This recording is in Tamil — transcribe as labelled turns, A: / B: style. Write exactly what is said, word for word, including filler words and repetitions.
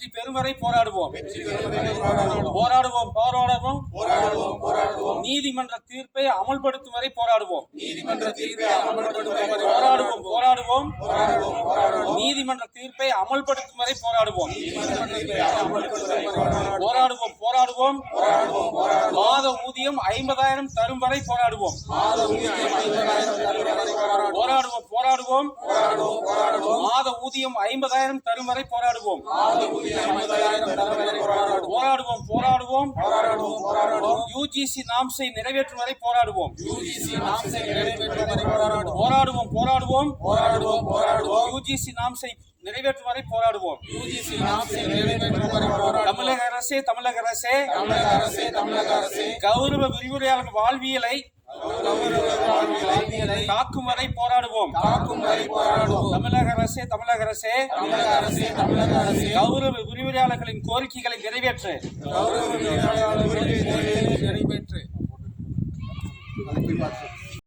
A: வெற்றி பெறும் வரை போராடுவோம் போராடுவோம் போராடுவோம் போராடுவோம் நீதிமன்ற தீர்ப்பை அமல்படுத்தும் வரை போராடுவோம் நீதிமன்ற தீர்ப்பை அமல்படுத்தும் வரை போராடுவோம் போராடுவோம் நீதிமன்ற தீர்ப்பை அமல்படுத்தும் வரை போராடுவோம் போராடுவோம் போராடுவோம் மாத ஊதியம் ஐம்பதாயிரம் தரும் வரை போராடுவோம் போராடுவோம் போராடுவோம் மாத ஊதியம் ஐம்பதாயிரம் தரும் வரை போராடுவோம் போராடுவோம் போராடுவோம் யூஜிசி நாம்சை நிறைவேற்றும் வரை போராடுவோம் போராடுவோம் போராடுவோம் யூஜிசி நாம்சை நிறைவேற்றும் வரை போராடுவோம் தமிழக அரசே தமிழக அரசே கௌரவ விரிவுரையாளர் வாழ்வியலை காக்கும் வரை போராடுவோம் தமிழக அரசே தமிழக அரசே கௌரவ விரிவுரையாளர்களின் கோரிக்கைகளை நிறைவேற்று நிறைவேற்று